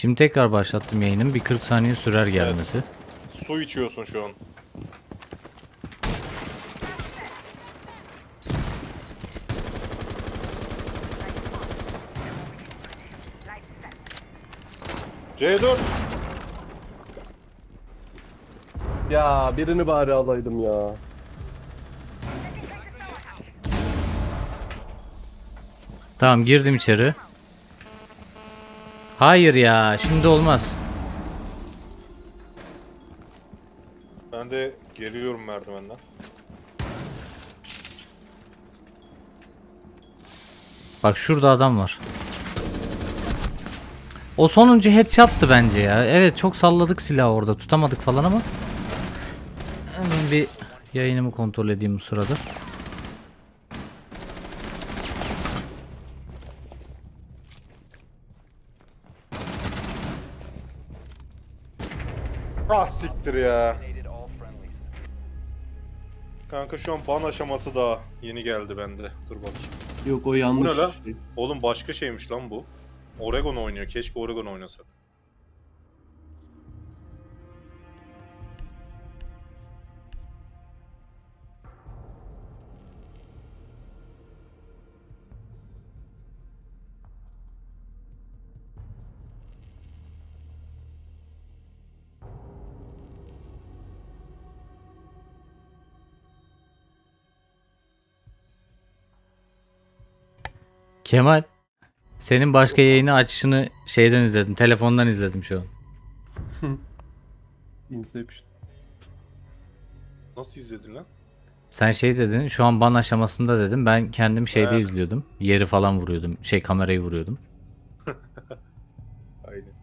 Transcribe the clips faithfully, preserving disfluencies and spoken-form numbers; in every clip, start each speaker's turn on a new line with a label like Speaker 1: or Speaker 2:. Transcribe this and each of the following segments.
Speaker 1: Şimdi tekrar başlattım yayının. Bir kırk saniye sürer gelmesi.
Speaker 2: Evet. Su içiyorsun şu an. C dört.
Speaker 3: Ya birini bari alaydım ya.
Speaker 1: Tamam, girdim içeri. Hayır ya, şimdi olmaz.
Speaker 2: Ben de geliyorum merdivenden.
Speaker 1: Bak şurada adam var. O sonuncu headshot'tı bence ya. Evet, çok salladık silahı orada. Tutamadık falan ama. Hemen bir yayınımı kontrol edeyim bu sırada.
Speaker 2: Ah siktir ya. Kanka şu an ban aşaması daha yeni geldi bende. Dur bakayım.
Speaker 3: Yok o
Speaker 2: Bu
Speaker 3: yanlış.
Speaker 2: ne lan?
Speaker 3: şey.
Speaker 2: Oğlum başka şeymiş lan bu. Oregon oynuyor. Keşke Oregon oynasak.
Speaker 1: Kemal, senin başka yayını açışını şeyden izledim. Telefondan izledim şu an.
Speaker 3: Inception.
Speaker 2: Nasıl izledin lan?
Speaker 1: Sen şey dedin, şu an ban aşamasında dedim. Ben kendim şeyde
Speaker 2: He.
Speaker 1: izliyordum. Yeri falan vuruyordum. Şey, kamerayı vuruyordum.
Speaker 2: Aynen.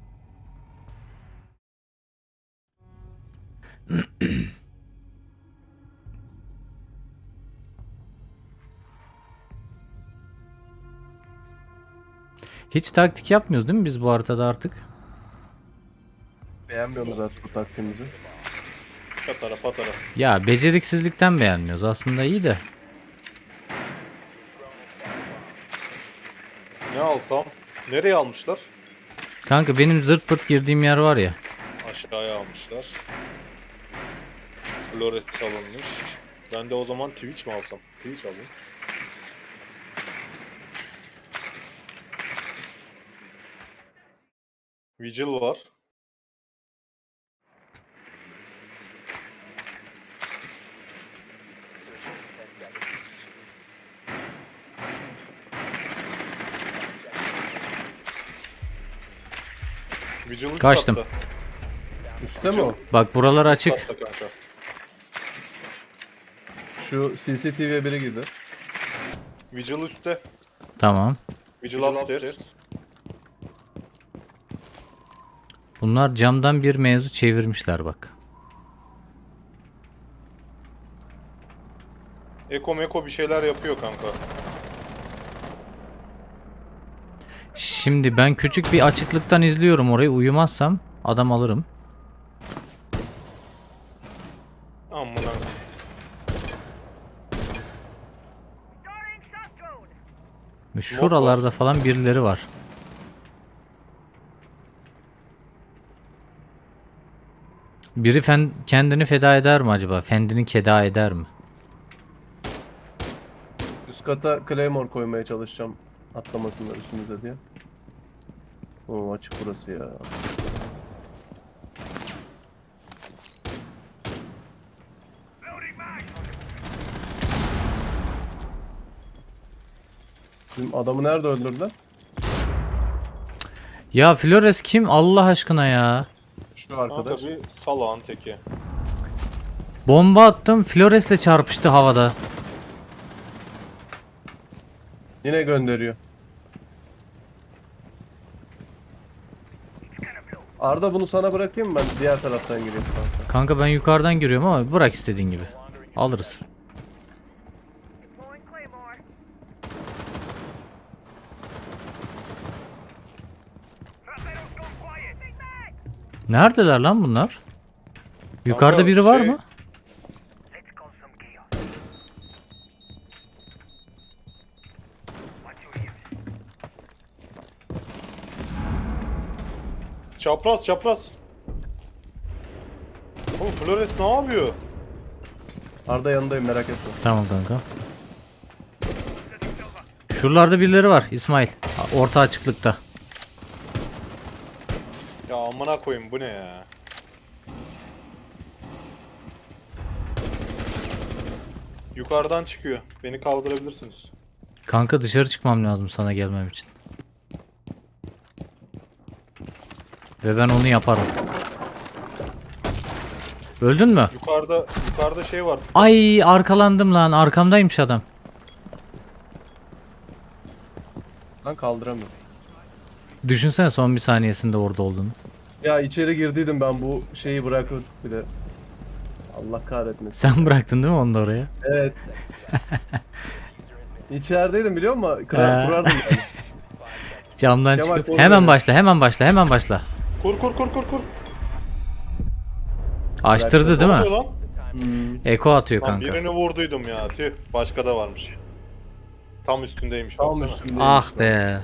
Speaker 1: Hiç taktik yapmıyoruz değil mi biz bu haritada artık?
Speaker 3: Beğenmiyorum zaten bu taktiğimizi.
Speaker 2: Patara patara.
Speaker 1: Ya beceriksizlikten beğenmiyoruz. Aslında iyi de.
Speaker 2: Ne alsam? Nereye almışlar?
Speaker 1: Kanka benim zırt pırt girdiğim yer var ya.
Speaker 2: Aşağıya almışlar. Flores alınmış. Ben de o zaman Twitch mi alsam? Twitch alayım. Vigil var. Vigil üst
Speaker 1: Kaçtım.
Speaker 2: katta.
Speaker 3: Üste mi o?
Speaker 1: Bak buralar
Speaker 2: Üst
Speaker 1: açık.
Speaker 2: katta kanka.
Speaker 3: Şu C C T V'ye biri girdi.
Speaker 2: Vigil üstte.
Speaker 1: Tamam.
Speaker 2: Vigil upstairs.
Speaker 1: Bunlar camdan bir mevzu çevirmişler bak.
Speaker 2: Eko meko bir şeyler yapıyor kanka.
Speaker 1: Şimdi ben küçük bir açıklıktan izliyorum orayı. Uyumazsam adam alırım.
Speaker 2: Amına.
Speaker 1: Ve şuralarda falan birileri var. Biri fen kendini feda eder mi acaba? Kendini keda eder mi?
Speaker 3: Üst kata Claymore koymaya çalışacağım. Atlamasınlar üstümüze diye. Oo açık burası ya. Bizim adamı nerede öldürdüler?
Speaker 1: Ya Flores kim Allah aşkına ya?
Speaker 3: Şu arkadaş.
Speaker 2: Kanka bir salağın teki.
Speaker 1: Bomba attım, Flores'le çarpıştı havada.
Speaker 3: Yine gönderiyor. Arda bunu sana bırakayım mı, ben diğer taraftan gireyim kanka.
Speaker 1: Kanka ben yukarıdan giriyorum ama bırak istediğin gibi. Alırız. Neredeler lan bunlar? Yukarıda
Speaker 2: Kanka,
Speaker 1: biri var
Speaker 2: şey-
Speaker 1: mı?
Speaker 2: Çapraz çapraz. Oğlum Flores ne yapıyor?
Speaker 3: Arda yanındayım, merak etme.
Speaker 1: Tamam kanka. Şuralarda birileri var İsmail. Orta açıklıkta.
Speaker 2: Ya amına koyayım, bu ne ya? Yukarıdan çıkıyor. Beni kaldırabilirsiniz.
Speaker 1: Kanka dışarı çıkmam lazım sana gelmem için. Ve ben onu yaparım. Öldün mü?
Speaker 2: Yukarıda yukarıda şey var.
Speaker 1: Ay arkalandım lan. Arkamdaymış adam.
Speaker 3: Lan kaldıramıyorum.
Speaker 1: Düşünsene son bir saniyesinde orada olduğunu.
Speaker 3: Ya içeri girdiydim ben, bu şeyi bırakıp bir de. Allah kahretmesin.
Speaker 1: Sen bıraktın değil mi onu da oraya?
Speaker 3: Evet. İçerideydim biliyor musun?
Speaker 1: Ee.
Speaker 3: Kırar, kurardım yani.
Speaker 1: Camdan
Speaker 3: Kemal,
Speaker 1: çıkıp
Speaker 3: koy
Speaker 1: hemen
Speaker 3: beni.
Speaker 1: başla hemen başla hemen başla.
Speaker 2: Kur kur kur kur kur.
Speaker 1: Açtırdı değil
Speaker 2: Ne
Speaker 1: mi?
Speaker 2: oluyor lan?
Speaker 3: Hmm.
Speaker 1: Eko atıyor
Speaker 2: Lan
Speaker 1: kanka.
Speaker 2: birini vurduydum ya. Tüh. Başka da varmış. Tam üstündeymiş
Speaker 3: Tam
Speaker 2: baksana.
Speaker 3: üstündeyim.
Speaker 1: Ah be.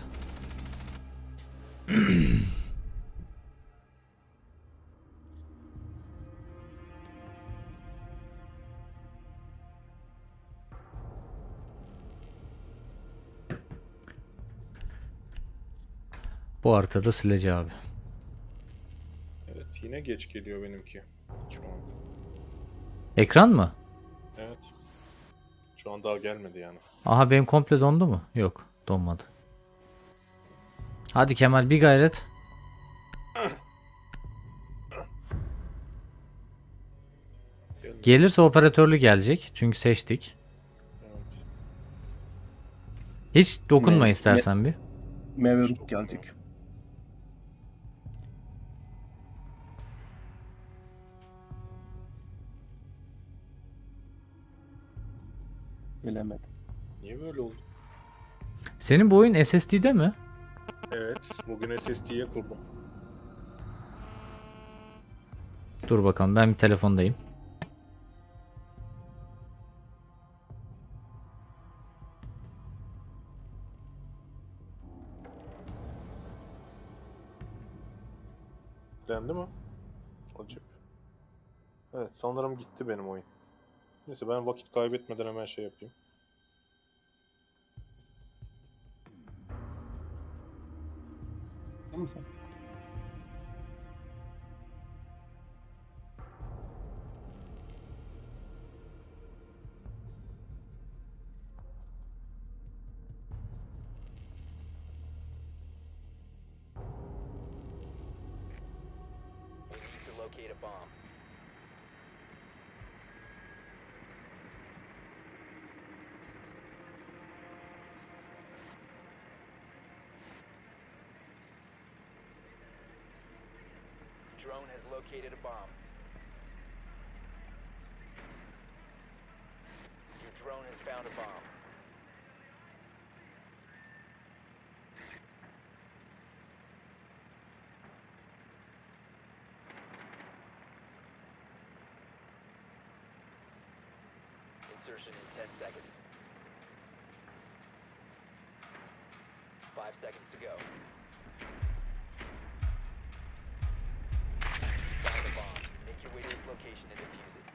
Speaker 1: Bu haritada sileci abi.
Speaker 2: Evet, yine geç geliyor benimki. Şu an.
Speaker 1: Ekran mı?
Speaker 2: Evet. Şu an daha gelmedi yani.
Speaker 1: Aha benim komple dondu mu? Yok donmadı. Hadi Kemal bir gayret.
Speaker 2: Gelmedi.
Speaker 1: Gelirse operatörlü gelecek. Çünkü seçtik.
Speaker 2: Evet.
Speaker 1: Hiç dokunma
Speaker 3: Ne-
Speaker 1: istersen bir.
Speaker 3: Mevlüt gelecek. Bilemedim.
Speaker 2: Niye böyle oldu?
Speaker 1: Senin bu oyun S S D'de mi?
Speaker 2: Evet. Bugün S S D'ye kurdum.
Speaker 1: Dur bakalım ben bir telefondayım.
Speaker 2: Dendi mi? Acip. Evet, sanırım gitti benim oyun. Neyse, ben vakit kaybetmeden hemen şey yapayım.
Speaker 3: Tamam sen.
Speaker 4: We need to locate a bomb. Drone has located a bomb. Your drone has found a bomb. Insertion in ten seconds. Five seconds to go. Find the bomb. Make your way to its location and defuse it.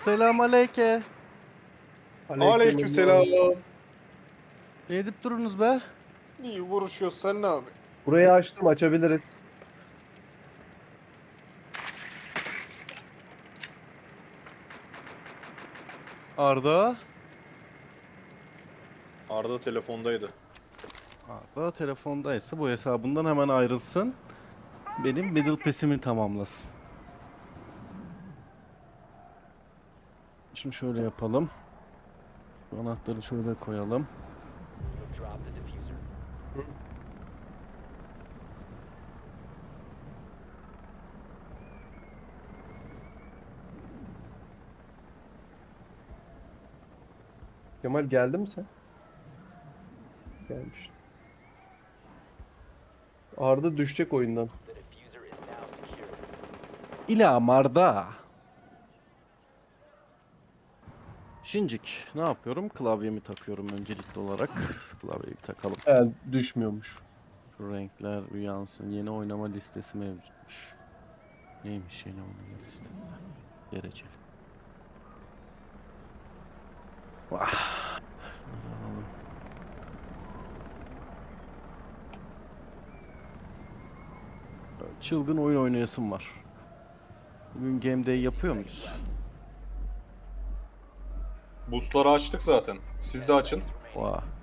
Speaker 5: Selam aleyke.
Speaker 2: Aleykümselam.
Speaker 5: Ne edip durunuz be?
Speaker 2: İyi vuruşuyoruz sen ne abi?
Speaker 3: Burayı açtım, açabiliriz.
Speaker 5: Arda.
Speaker 2: Arda telefondaydı.
Speaker 5: Arda telefondaysa bu hesabından hemen ayrılsın. Benim middle pass'imi tamamlasın. Şimdi şöyle yapalım. Şu anahtarı şöyle koyalım.
Speaker 4: You have dropped the diffuser.
Speaker 3: Kemal geldi mi sen? Gelmiş. Arda düşecek oyundan.
Speaker 4: The diffuser is now secured.
Speaker 5: İla Arda. Şincik ne yapıyorum? Klavyemi takıyorum öncelikli olarak. Şu klavyeyi bir takalım.
Speaker 3: He, düşmüyormuş.
Speaker 5: Şu renkler uyansın. Yeni oynama listesi mevcutmuş. Neymiş yeni oynama listesi? Dereceli. Vah. Şunları alalım. Çılgın oyun oynayasım var. Bugün game day yapıyor muyuz?
Speaker 2: Boostları açtık zaten. Siz de açın.
Speaker 5: Vah.